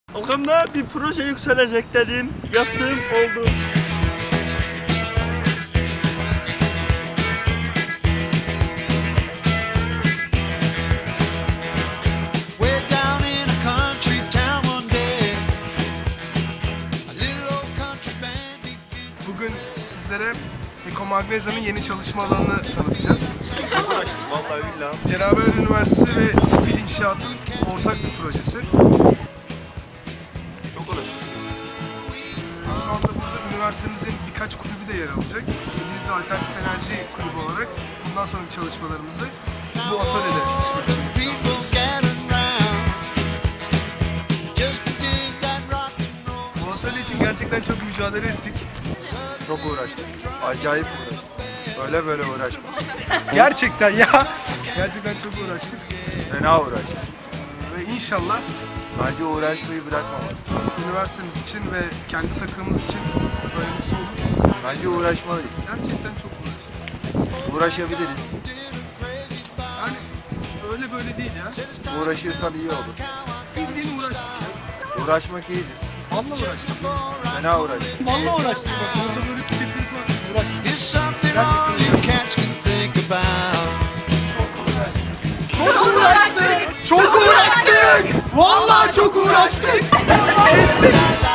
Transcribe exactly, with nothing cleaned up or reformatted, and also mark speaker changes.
Speaker 1: Aklımda bir proje yükselecek dedim, yaptığım oldu.
Speaker 2: Bugün sizlere Ecomagnesa'nın yeni çalışma alanını tanıtacağız.
Speaker 3: Çok uğraştım vallahi billahi.
Speaker 2: Cenab-ı Üniversitesi ve Spil İnşaat'ın ortak bir projesi.
Speaker 3: Çok uğraştım.
Speaker 2: Şu anda burada üniversitemizin birkaç kulübü de yer alacak. Biz de alternatif enerji kulübü olarak bundan sonraki çalışmalarımızı bu atölyede sürdürüyoruz. Bu atölye için gerçekten çok mücadele ettik.
Speaker 3: Çok uğraştım. Acayip uğraştım. Öyle böyle uğraşmadım.
Speaker 2: Gerçekten ya. Gerçekten çok uğraştık.
Speaker 3: Fena uğraştım.
Speaker 2: Ve inşallah
Speaker 3: Bence uğraşmayı bırakmamak.
Speaker 2: üniversitemiz için ve kendi takımımız için öğrencisi olur.
Speaker 3: Bence uğraşmalıyız.
Speaker 2: Gerçekten çok uğraştık.
Speaker 3: Uğraşabiliriz.
Speaker 2: Yani öyle böyle değil ya.
Speaker 3: Uğraşırsan iyi olur.
Speaker 2: Bildiğin uğraştık ya.
Speaker 3: Uğraşmak iyidir.
Speaker 2: Vallahi uğraştık.
Speaker 3: Fena uğraştık.
Speaker 2: Vallahi uğraştık bak. Burada böyle tipimiz var. Uğraştık.
Speaker 4: There's something all you cats can think about.
Speaker 2: Çok uğraştık. Çok uğraştık. Vallahi çok uğraştık. Kestik.